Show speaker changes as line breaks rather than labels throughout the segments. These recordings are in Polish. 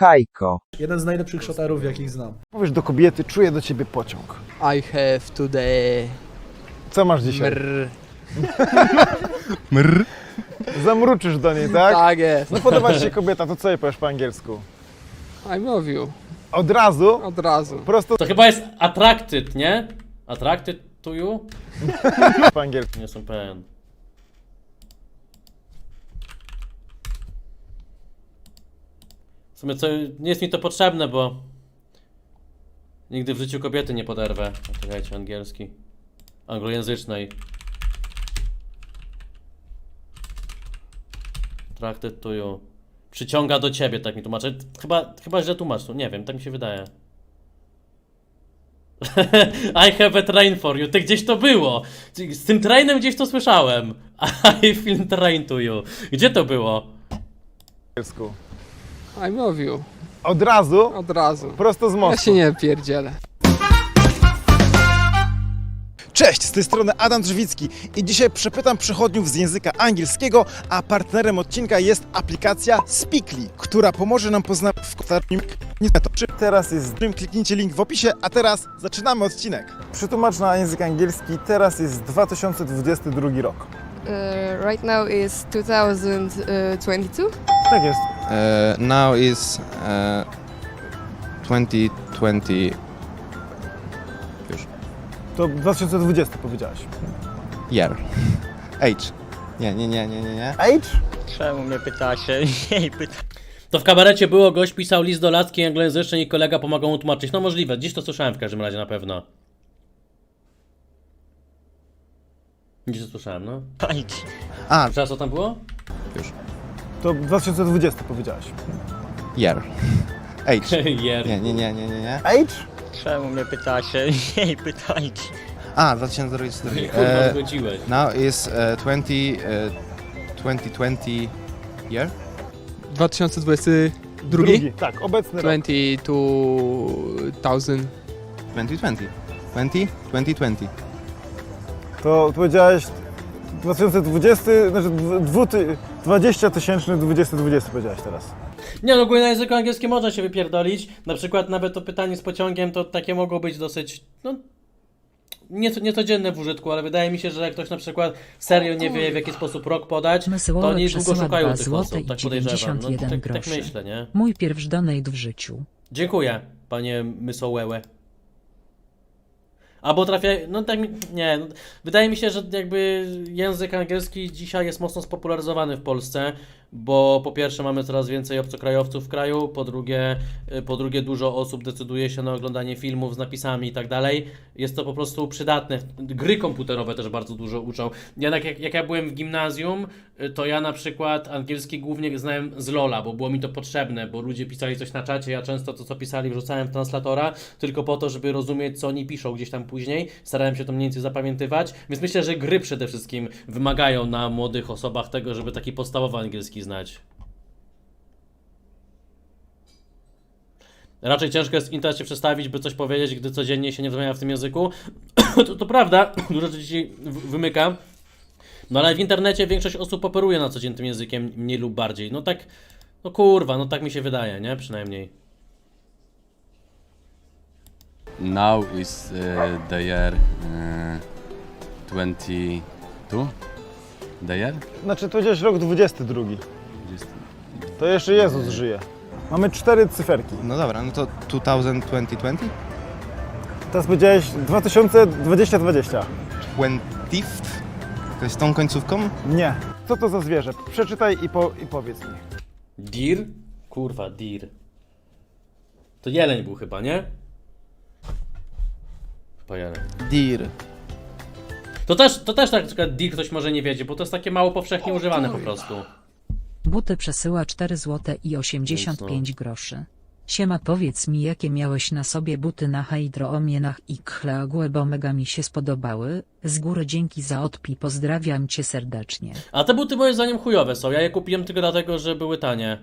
Hajko.
Jeden z najlepszych szotarów, jakich znam.
Powiesz do kobiety, czuję do ciebie pociąg.
I have today.
Co masz dzisiaj?
Mrr.
Mrr. Zamruczysz do niej, tak?
Tak jest.
No podoba ci się kobieta, to co jej powiesz po angielsku?
I love you.
Od razu?
Od razu.
Prosto
To chyba jest attracted, nie? Attracted to you?
po angielsku.
Nie jestem pewien. W sumie co, nie jest mi to potrzebne, bo nigdy w życiu kobiety nie poderwę. Czekajcie, angielski. Anglojęzycznej. Attracted to you. Przyciąga do ciebie, tak mi tłumaczę. Chyba źle tłumaczę, nie wiem, tak mi się wydaje. I have a train for you. Ty gdzieś to było. Z tym trainem gdzieś to słyszałem. I feel train to you. Gdzie to było?
angielsku.
I love you.
Od razu?
Od razu.
Prosto z
Ja
mostu.
się nie pierdzielę.
Cześć, z tej strony Adam Drzewicki i dzisiaj przepytam przechodniów z języka angielskiego, a partnerem odcinka jest aplikacja Speakly, która pomoże nam poznać w kotarnym Teraz jest stream, kliknijcie link w opisie, a teraz zaczynamy odcinek.
Przetłumacz na język angielski, teraz jest 2022 rok.
Right now is 2022.
Tak jest.
Now is 2020.
To 2020 powiedziałeś.
Year. Age. Nie.
Age?
Czemu mnie pytacie? Nie pyta.
To w kabarecie było, gość pisał list do latki anglojęzycznej i kolega pomagał mu tłumaczyć. No możliwe, gdzieś to słyszałem w każdym razie na pewno. Gdzieś to słyszałem, no.
A,
Teraz co tam było?
To 2020 powiedziałeś.
year. Age.
Jer.
Nie.
Age?
Czemu mnie pytacie? Nie pytajcie.
A, 2022.
Kurwa, zgodziłeś.
Now is 2020 year?
2022?
Drugi. Tak, obecny rok.
2020.
2020. 2020.
To powiedziałeś 2020, znaczy 20 tysięczny 2020 powiedziałeś teraz.
Nie, no ogólnie na języku angielskim można się wypierdolić. Na przykład nawet to pytanie z pociągiem to takie mogło być dosyć, no, niecodzienne w użytku, ale wydaje mi się, że jak ktoś na przykład serio nie wie w jaki sposób rok podać, to oni długo szukają tych osób, tak podejrzewam. No, tak myślę, nie?
Mój pierwszy donate w życiu.
Dziękuję, panie Mysołełe. Albo trafia, no tak, nie, no, wydaje mi się, że jakby język angielski dzisiaj jest mocno spopularyzowany w Polsce, bo po pierwsze mamy coraz więcej obcokrajowców w kraju, po drugie dużo osób decyduje się na oglądanie filmów z napisami i tak dalej. Jest to po prostu przydatne. Gry komputerowe też bardzo dużo uczą. Jak ja byłem w gimnazjum, to ja na przykład angielski głównie znałem z LoL'a, bo było mi to potrzebne, bo ludzie pisali coś na czacie, ja często to co pisali wrzucałem w translatora, tylko po to, żeby rozumieć co oni piszą gdzieś tam później. Starałem się to mniej więcej zapamiętywać, więc myślę, że gry przede wszystkim wymagają na młodych osobach tego, żeby taki podstawowy angielski znać. Raczej ciężko jest w internecie przestawić, by coś powiedzieć, gdy codziennie się nie rozmawia w tym języku. To prawda, dużo rzeczy ci wymyka. No ale w internecie większość osób operuje na co dzień tym językiem, mniej lub bardziej. No tak, no kurwa, no tak mi się wydaje, nie? Przynajmniej.
Now is the year 22. The year?
Znaczy to powiedziałeś rok 22. To jeszcze Jezus żyje. Mamy 4 cyferki.
No dobra, no to 2020?
Teraz powiedziałeś 2020.
20th? To jest tą końcówką?
Nie. Co to za zwierzę? Przeczytaj i powiedz mi.
Deer? Kurwa, deer. To jeleń był chyba, nie? Chyba jeleń.
Deer.
To też tak, na przykład deer ktoś może nie wiedzie, bo to jest takie mało powszechnie używane po prostu.
Buty przesyła 4 zł i 85 groszy. Siema, powiedz mi, jakie miałeś na sobie buty na hydroomienach i kchleagłe, bo mega mi się spodobały. Z góry dzięki za odpi, pozdrawiam cię serdecznie.
A te buty moim zdaniem chujowe są. Ja je kupiłem tylko dlatego, że były tanie.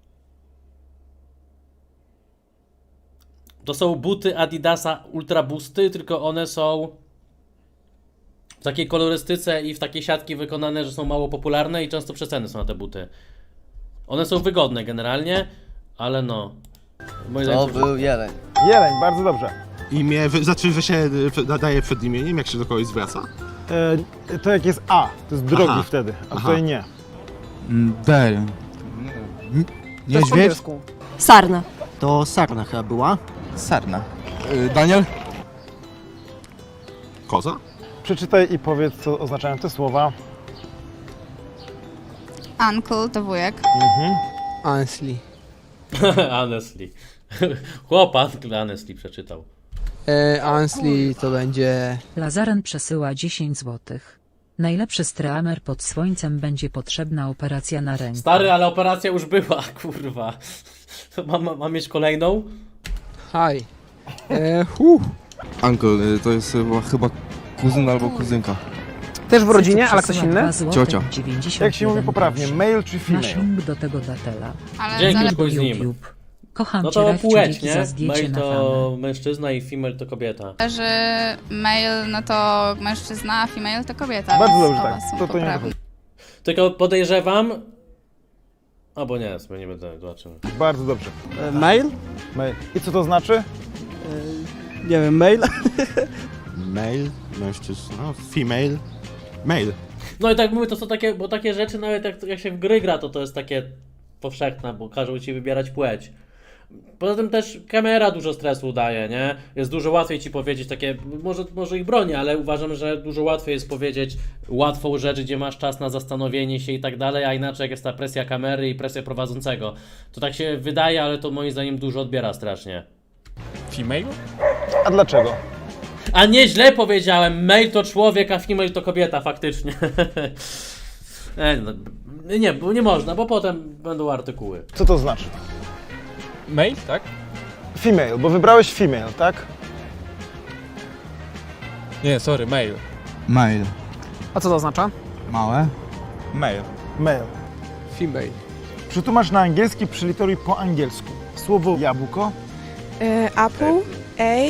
To są buty Adidasa Ultra Boosty, tylko one są w takiej kolorystyce i w takiej siatki wykonane, że są mało popularne i często przeceny są na te buty. One są wygodne generalnie, ale no. Moim zdaniem
był jeleń.
Jeleń, bardzo dobrze.
Imię, że się nadaje przed imieniem, jak się do kogoś zwraca?
To jak jest A, to jest drogi
Aha.
wtedy, a
Aha.
tutaj nie.
Del.
Niedźwiedź?
Sarna.
To sarna chyba była.
Sarna. Daniel?
Koza?
Przeczytaj i powiedz, co oznaczają te słowa.
Uncle to wujek.
Honestly.
honestly. Chłopak honestly przeczytał.
Honestly to będzie...
Lazaren przesyła 10 zł. Najlepszy streamer pod słońcem będzie potrzebna operacja na rękę.
Stary, ale operacja już była, kurwa. Mam mieć kolejną?
Hi.
Uncle, to jest chyba kuzyn albo kuzynka.
Też w rodzinie, ale ktoś
Przesyła
inny?
2 zł
Ciocia.
91
Jak się mówi poprawnie,
groszy.
male czy
Masz
female?
link do tego datela.
Dzięki, chuj z nim.
YouTube. Kocham
No
cię,
to
Rafciu,
płeć,
dzięki
nie?
za zdjęcie
Male
na
to
famę.
mężczyzna i female to kobieta.
Że male no to mężczyzna, a female to kobieta.
Bardzo
więc
dobrze,
oba
tak.
są
To nie
poprawne.
dochodzi.
Tylko podejrzewam... Albo nie, sobie nie będę, zobaczymy.
Bardzo dobrze.
Mail?
Male. I co to znaczy?
Nie wiem, mail?
Male, mężczyzna, female, male.
No i tak mówię, to są takie, bo takie rzeczy nawet jak się w gry gra, to jest takie powszechne, bo każą ci wybierać płeć. Poza tym też kamera dużo stresu daje, nie? Jest dużo łatwiej ci powiedzieć takie, może ich broni, ale uważam, że dużo łatwiej jest powiedzieć łatwą rzecz, gdzie masz czas na zastanowienie się i tak dalej, a inaczej jak jest ta presja kamery i presja prowadzącego. To tak się wydaje, ale to moim zdaniem dużo odbiera strasznie.
Female?
A dlaczego?
A nie, źle powiedziałem, male to człowiek, a female to kobieta, faktycznie. Nie, bo nie można, bo potem będą artykuły.
Co to znaczy?
Male, tak?
Female, bo wybrałeś female, tak?
Nie, sorry, male.
Male.
A co to oznacza?
Małe.
Male.
Male.
Female.
Przetłumacz na angielski, przyliteruj po angielsku. Słowo jabłko.
Apple, A,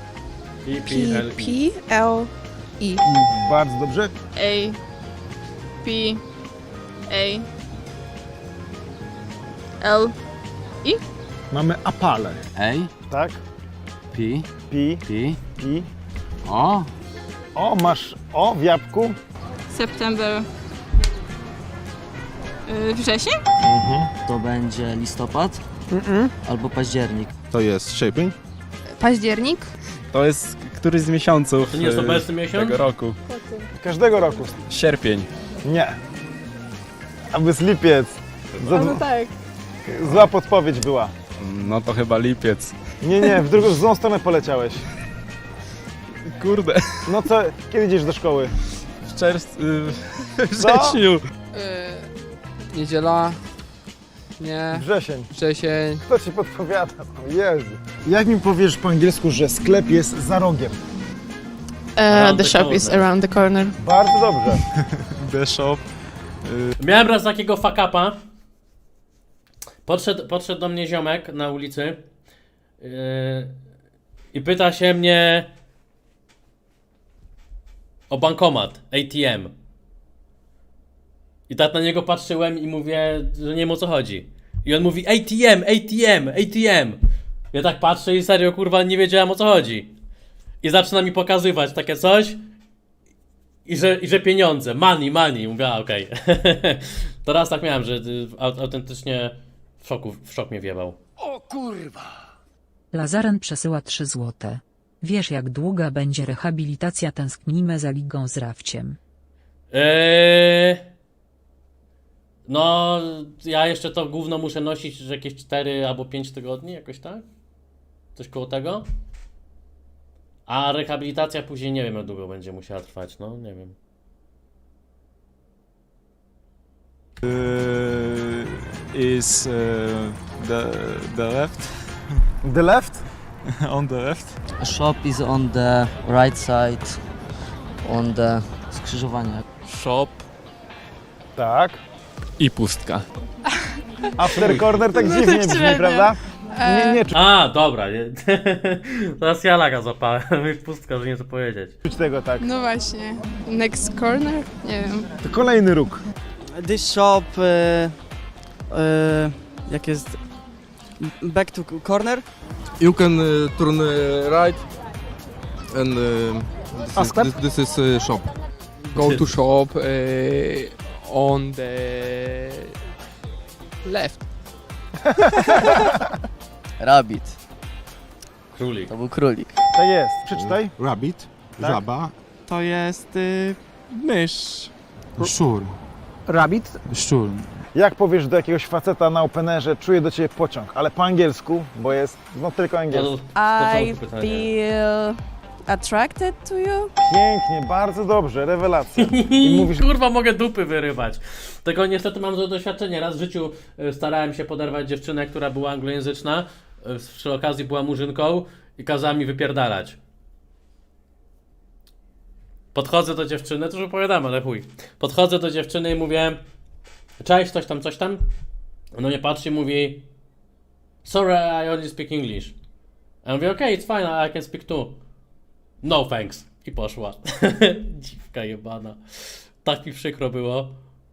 L, E.
Bardzo dobrze.
A, P, A, L.
Mamy apale,
A,
tak?
P,
Pi,
P,
pi.
O,
O, masz O w jabłku.
September. Wrzesień?
To będzie listopad albo październik.
To jest sierpień?
Październik.
To jest któryś z miesiąców
To nie jest obecny miesiąc?
roku.
Każdego roku.
Sierpień.
Nie. Aby jest lipiec.
tak.
Zła podpowiedź była.
No to chyba lipiec.
Nie, w złą stronę poleciałeś.
Kurde.
No co, kiedy idziesz do szkoły?
W czerwcu... w
Co?
wrześniu.
Niedziela. Nie.
Wrzesień.
Wrzesień.
Kto ci podpowiada? O Jezu. Jak mi powiesz po angielsku, że sklep jest za rogiem?
Around
The
the
shop is
corner.
around the corner.
Bardzo dobrze.
The shop.
Miałem raz takiego fuck-upa. Podszedł do mnie ziomek na ulicy i pyta się mnie o bankomat, ATM. I tak na niego patrzyłem i mówię, że nie wiem o co chodzi. I on mówi ATM. Ja tak patrzę i serio kurwa nie wiedziałem o co chodzi. I zaczyna mi pokazywać takie coś. I że pieniądze, money, mówię, okej. To raz tak miałem, że autentycznie w szok mnie wjebał.
Lazaren przesyła 3 zł. Wiesz jak długa będzie rehabilitacja, tęsknimy za ligą z Rafciem.
No, ja jeszcze to gówno muszę nosić że jakieś 4 albo 5 tygodni, jakoś tak? Coś koło tego? A rehabilitacja później nie wiem jak długo będzie musiała trwać, no nie wiem.
Is the left?
The left?
On the left?
Shop is on the right side, on the skrzyżowanie.
Shop
Tak.
i pustka.
After corner tak dziwnie brzmi,
średnio.
prawda? Nie
A, dobra, nie. Teraz ja laga złapałem, już pustka, że nie co powiedzieć.
czuć tego tak.
No właśnie. Next corner? Nie wiem.
To kolejny róg.
This shop, jak jest Back to corner.
You can turn right and
A sklep?
this is shop.
Go to shop on the left.
Rabbit.
Królik.
To był królik.
Tak jest. Przeczytaj.
Rabbit,
Tak?
żaba,
To jest mysz.
szczur.
Rabbit.
Szczur.
Jak powiesz do jakiegoś faceta na openerze, czuję do ciebie pociąg, ale po angielsku, bo jest no tylko angielski.
I feel attracted to you.
Pięknie, bardzo dobrze, rewelacja. I mówisz,
Kurwa, mogę dupy wyrywać. Tylko niestety mam to doświadczenie. Raz w życiu starałem się poderwać dziewczynę, która była anglojęzyczna. Przy okazji była murzynką i kazała mi wypierdalać. Podchodzę do dziewczyny, to już opowiadam, ale chuj. Podchodzę do dziewczyny i mówię: cześć, coś tam. Ona mnie patrzy i mówi: sorry, I only speak English. A ja mówię: okay, it's fine, I can speak too. No thanks. I poszła. Dziwka jebana. Tak mi przykro było.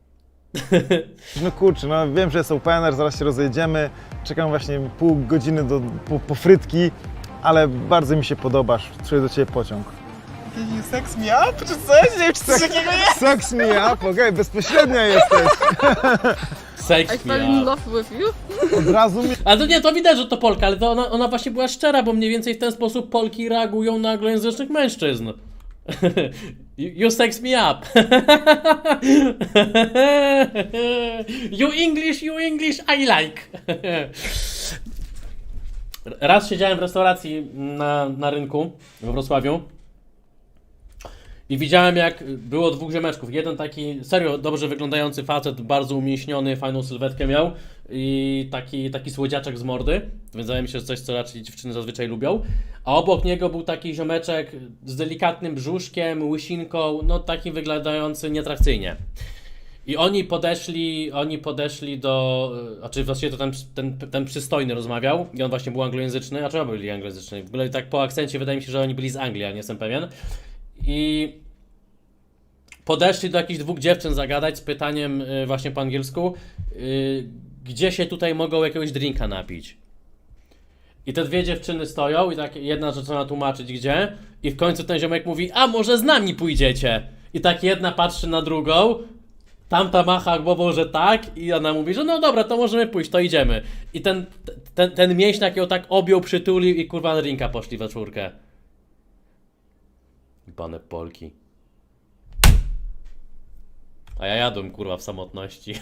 no kurczę, no wiem, że jest opener, zaraz się rozejdziemy. Czekam właśnie pół godziny po frytki, ale bardzo mi się podobasz, czuję do ciebie pociąg. Sex me up? Czy coś? Nie wiem, czy coś takiego jest? Sex me up? Okej, bezpośrednia jesteś.
Sex me up.
love with you.
Od razu mi...
Ale to nie, to widać, że to Polka, ale to ona właśnie była szczera, bo mniej więcej w ten sposób Polki reagują na anglojęzycznych mężczyzn. You sex me up. You English, I like. Raz siedziałem w restauracji na rynku we Wrocławiu i widziałem, jak było dwóch ziomeczków. Jeden taki serio dobrze wyglądający facet, bardzo umięśniony, fajną sylwetkę miał i taki słodziaczek z mordy, więc wydaje mi się, że coś, co raczej dziewczyny zazwyczaj lubią. A obok niego był taki ziomeczek z delikatnym brzuszkiem, łysinką, no taki wyglądający nieatrakcyjnie. I oni podeszli do... Znaczy właściwie to ten przystojny rozmawiał i on właśnie był anglojęzyczny, a czemu byli anglojęzyczni? W ogóle tak po akcencie wydaje mi się, że oni byli z Anglii, a nie jestem pewien. I podeszli do jakichś dwóch dziewczyn zagadać z pytaniem właśnie po angielsku, gdzie się tutaj mogą jakiegoś drinka napić. I te dwie dziewczyny stoją i tak jedna zaczyna tłumaczyć gdzie i w końcu ten ziomek mówi: a może z nami pójdziecie? I tak jedna patrzy na drugą, tamta macha głową, że tak i ona mówi, że no dobra, to możemy pójść, to idziemy. I ten mięśniak ją tak objął, przytulił i kurwa na drinka poszli we czwórkę. Jebane Polki. A ja jadłem kurwa w samotności.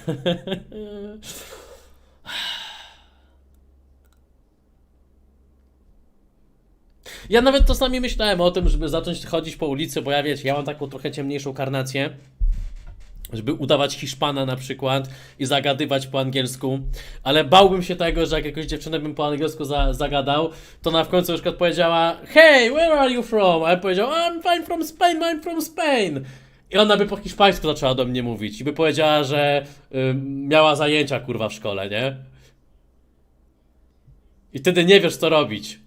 Ja nawet czasami myślałem o tym, żeby zacząć chodzić po ulicy, bo ja wiecie, ja mam taką trochę ciemniejszą karnację, żeby udawać Hiszpana na przykład i zagadywać po angielsku, ale bałbym się tego, że jak jakąś dziewczynę bym po angielsku zagadał, to ona w końcu na przykład powiedziała: hey, where are you from? A ja powiedział: I'm from Spain. I ona by po hiszpańsku zaczęła do mnie mówić i by powiedziała, że miała zajęcia kurwa w szkole, nie? I wtedy nie wiesz co robić.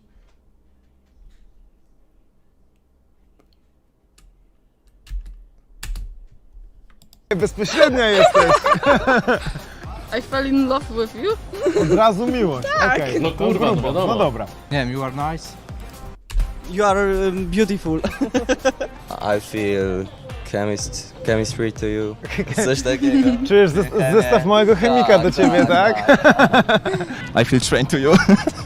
Bezpośrednia jesteś.
I fell in love with you.
Od razu miłość. Okej.
No kurwa, no wiadomo.
No dobra.
You are nice.
You are beautiful.
I feel chemistry to you. Coś takiego.
Czujesz zestaw małego chemika do ciebie, tak?
I feel trained to you.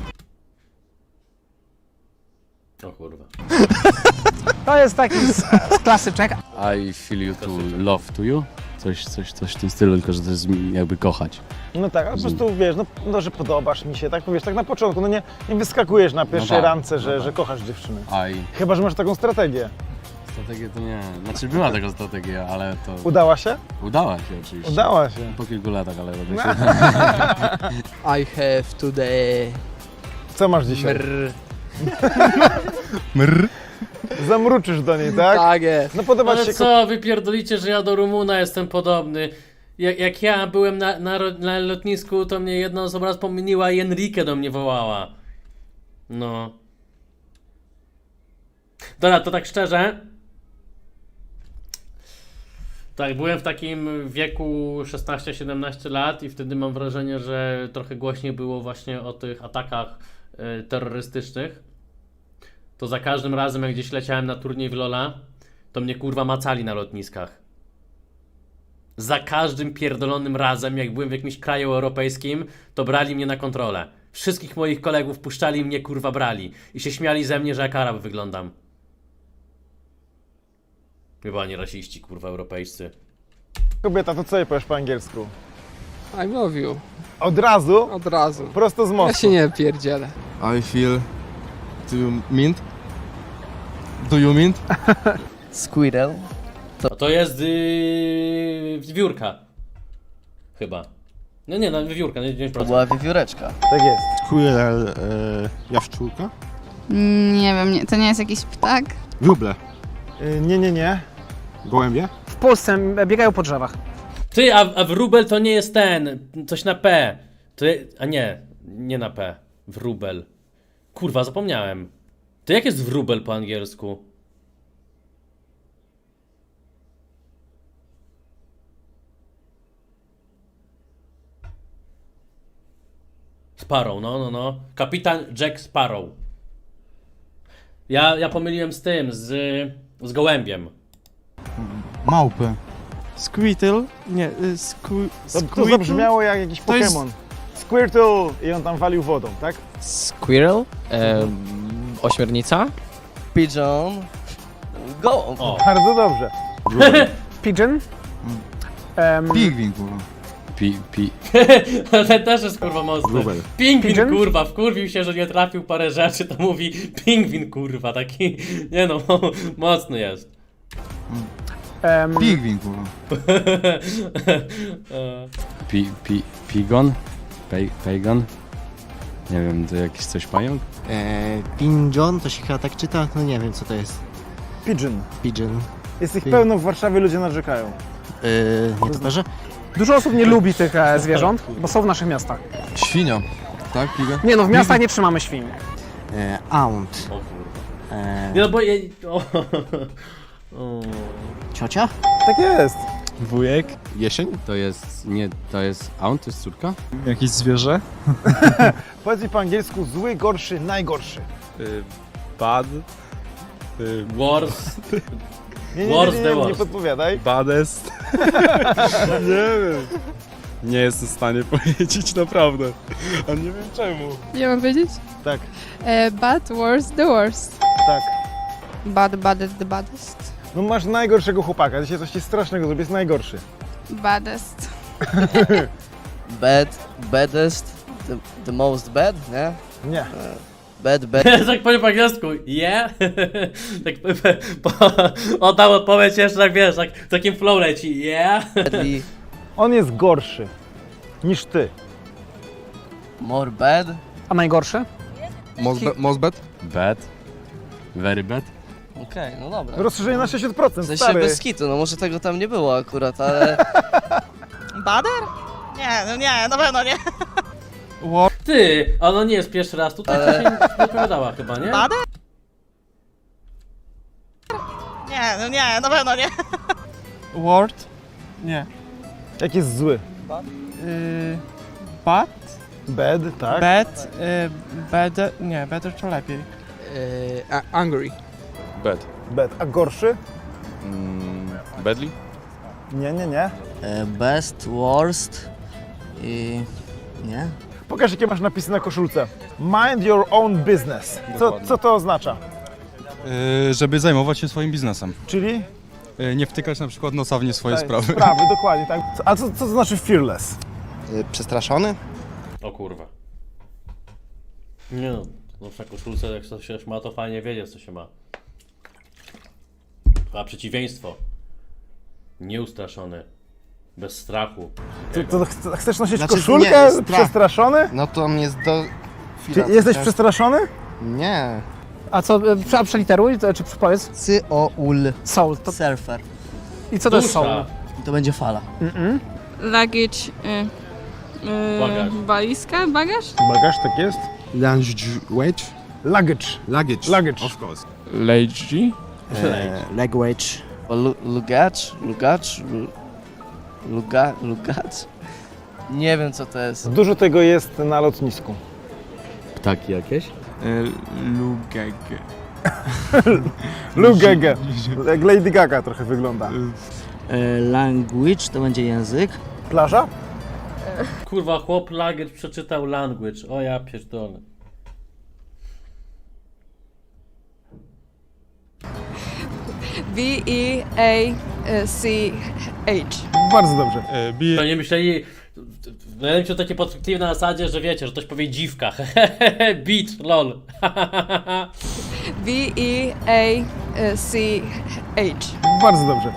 O kurwa.
To jest taki klasyczek.
I feel you to love to you. Coś w tym stylu, tylko że to jest jakby kochać.
No tak, a po prostu wiesz, no że podobasz mi się, tak powiesz, tak na początku, no nie wyskakujesz na pierwszej
tak,
randce,
no
że kochasz dziewczynę.
I
Chyba że masz taką strategię.
strategię to nie. Znaczy była taka strategia, ale to
Udała się?
udała się oczywiście.
Udała się.
Po kilku latach, ale robię się.
I have today...
Co masz dzisiaj?
Mrr.
Zamruczysz do niej, tak?
Tak jest.
No podoba ci
Ale
się...
co, wy pierdolicie, że ja do Rumuna jestem podobny. Jak ja byłem na lotnisku, to mnie jedna osoba raz pomyliła i Enrique do mnie wołała. No. Dobra, to tak szczerze. Tak, byłem w takim wieku 16-17 lat i wtedy mam wrażenie, że trochę głośniej było właśnie o tych atakach terrorystycznych. To za każdym razem, jak gdzieś leciałem na turniej w Lola, to mnie kurwa macali na lotniskach. Za każdym pierdolonym razem, jak byłem w jakimś kraju europejskim, to brali mnie na kontrolę. Wszystkich moich kolegów puszczali i mnie kurwa brali. I się śmiali ze mnie, że jak Arab wyglądam. Chyba nie rasiści, kurwa, europejscy.
Kobieta, to co jej powiesz po angielsku?
I love you.
Od razu?
Od razu.
Prosto z
Ja
mostu.
się nie pierdzielę.
I feel... Do you mint? Do you mint?
Squirrel.
A to jest wiewiórka. Chyba. No nie, no wiewiórka, nie 9%.
wiewióreczka.
Tak jest.
Squirrel, jaszczurka?
Nie wiem, nie, to nie jest jakiś ptak?
Wróble.
Nie.
Gołębie?
W Polsce biegają po drzewach.
Ty, a wróbel to nie jest ten, coś na P. To a nie na P. Wróbel. Kurwa, zapomniałem. To jak jest wróbel po angielsku? Sparrow, no. Kapitan Jack Sparrow. Ja pomyliłem z tym, z gołębiem.
Małpy.
Squirtle? Nie,
To zabrzmiało jak jakiś
To jest-
Pokémon. Squirtle i on tam walił wodą, tak?
Squirrel? Ośmiornica?
Pigeon. Go!
O,
Bardzo dobrze.
Pigeon.
Pingwin, kurwa.
ten też jest kurwa mocny.
Wróbel.
Pingwin
Pigeon?
kurwa, wkurwił się, że nie trafił parę rzeczy, to mówi pingwin kurwa, taki, nie no, mocny jest.
Pingwin, kurwa.
Pigon? Pagan? Nie wiem, to jakiś coś pająk?
Pigeon, to się chyba tak czyta? No nie wiem co to jest.
Pigeon.
Pigeon.
Jest ich pełno w Warszawie, ludzie narzekają.
Nie to że?
Dużo osób nie lubi tych zwierząt, bo są w naszych miastach.
Świnia. Tak, piga?
Nie no, w miastach nie trzymamy świń.
Aunt.
O kurwa. Nie no bo
Ciocia?
Tak jest.
Wujek.
Jesień?
To jest aunt, to jest córka?
Jakieś zwierzę?
Powiedz mi po angielsku zły, gorszy, najgorszy.
Bad.
Wars.
Nie podpowiadaj.
Baddest. Nie wiem. Nie jestem w stanie powiedzieć naprawdę. A nie wiem czemu.
Nie mam wiedzieć?
Tak,
Bad, worst, the worst.
tak.
Bad, baddest, the baddest.
No masz najgorszego chłopaka, dzisiaj coś ci strasznego zrobię, jest najgorszy.
Baddest.
Baddest. The most bad, nie?
Nie.
Bad.
Tak powiem po angielsku, yeah? Tak oddam odpowiedź jeszcze tak wiesz, tak w takim flow leci, yeah?
Badly.
On jest gorszy niż ty.
More bad.
A najgorszy?
Most bad?
Bad? Very bad?
Okej, no dobra.
Rozszerzenie na 60%,
W sensie
stary.
bez kitu, no może tego tam nie było akurat, ale...
Bader? Nie, no nie, na pewno nie.
Ty, a ono nie jest pierwszy raz tutaj, to się nie odpowiadała chyba, nie?
Bader? Nie, no nie, na pewno nie.
Word? Nie.
Jak jest zły?
Bad?
Bad, tak.
Bad? Better? Nie, better to lepiej.
Angry.
Bad.
Bad. A gorszy?
Badly?
Nie.
Best, worst i... nie?
Pokaż jakie masz napisy na koszulce. Mind your own business. Co to oznacza?
Żeby zajmować się swoim biznesem.
Czyli?
Nie wtykać na przykład nosa w nie swoje
Tak,
sprawy.
dokładnie, tak. A co to znaczy fearless?
Przestraszony?
O kurwa. Nie no, na koszulce jak coś się ma, to fajnie wiedzieć co się ma. A przeciwieństwo. Nieustraszony. Bez strachu.
Chcesz nosić
Znaczy,
koszulkę?
nie, strach.
Przestraszony?
No to mnie do...
Czy jesteś przestraszony?
Nie.
A co, przeliteruj, czy powiedz?
Soul.
Soul. To,
Surfer.
I co to jest soul?
Dusza.
I to będzie fala.
Luggage.
Bagaż.
Walizka? Bagaż?
Bagaż, tak jest.
Luggage?
Luggage.
Luggage.
Luggage.
Of course.
Lazy?
Language.
Lugacz? Lugacz? Nie wiem co to jest.
Dużo tego jest na lotnisku.
Ptaki jakieś?
Lugege. Jak Lady Gaga trochę wygląda.
Language to będzie język.
Plaża?
Kurwa, chłop Lager przeczytał language. O ja pierdolę.
B-E-A-C-H.
Bardzo dobrze.
To nie myśleli... Ja wiem, to takie podchwytliwe na zasadzie, że wiecie, że ktoś powie dziwka. Beach, lol.
B-E-A-C-H.
Bardzo dobrze.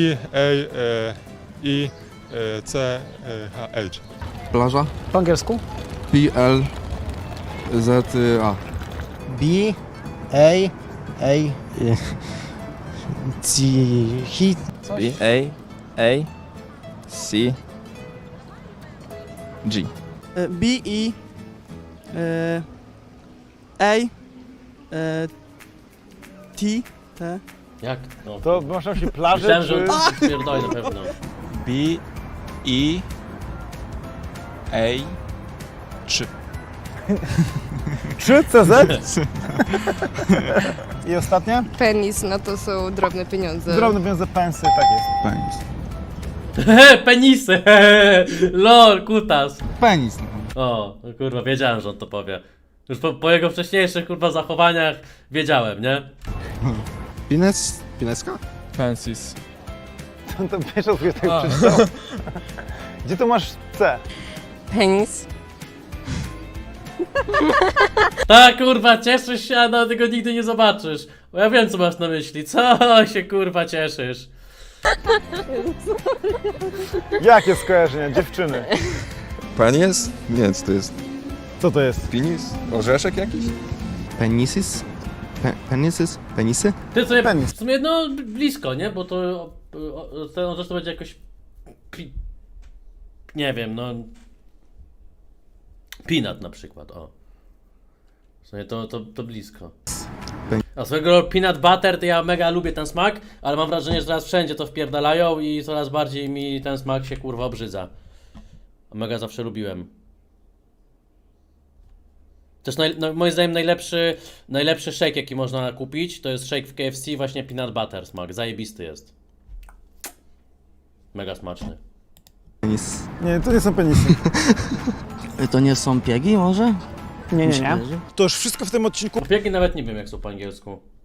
B-A-I-C-H.
Plaża. Po angielsku?
P-L-Z-A.
B, A, C, hit.
B-A-A-C-G.
B-E-A-T.
Jak? No.
To masz na myśli plażę,
Myślałem,
czy...
że pierdolę na pewno.
B-E-A-3.
3 CZ? I ostatnia?
Penis, no to są drobne pieniądze.
Drobne pieniądze, pensy, tak jest.
Penisy! Lol, kutas.
Penis.
O, no kurwa, wiedziałem, że on to powie. Już po jego wcześniejszych kurwa zachowaniach wiedziałem, nie?
Pineska?
Pensis.
To pierwszy raz tak przeczytał. Gdzie tu masz C?
Penis.
Tak, kurwa, cieszysz się, a tego nigdy nie zobaczysz. Bo ja wiem, co masz na myśli. Co się kurwa cieszysz?
Jakie skojarzenia? Dziewczyny.
Penis? Nie, co to jest?
Co to jest?
Penis? Orzeszek jakiś?
Penisis? Penisy?
Ty sobie
Penis.
w sumie no blisko, nie? Bo to ten orzesz to będzie jakoś nie wiem, no peanut na przykład, o. W sumie to blisko. A swojego peanut butter to ja mega lubię ten smak, ale mam wrażenie, że teraz wszędzie to wpierdalają i coraz bardziej mi ten smak się kurwa obrzydza. A mega zawsze lubiłem. Też moim zdaniem najlepszy shake jaki można kupić to jest shake w KFC właśnie peanut butter smak, zajebisty jest. Mega smaczny.
Nie, to nie są penisy.
To nie są piegi może?
Nie.
To już wszystko w tym odcinku.
Biegi nawet nie wiem jak są po angielsku.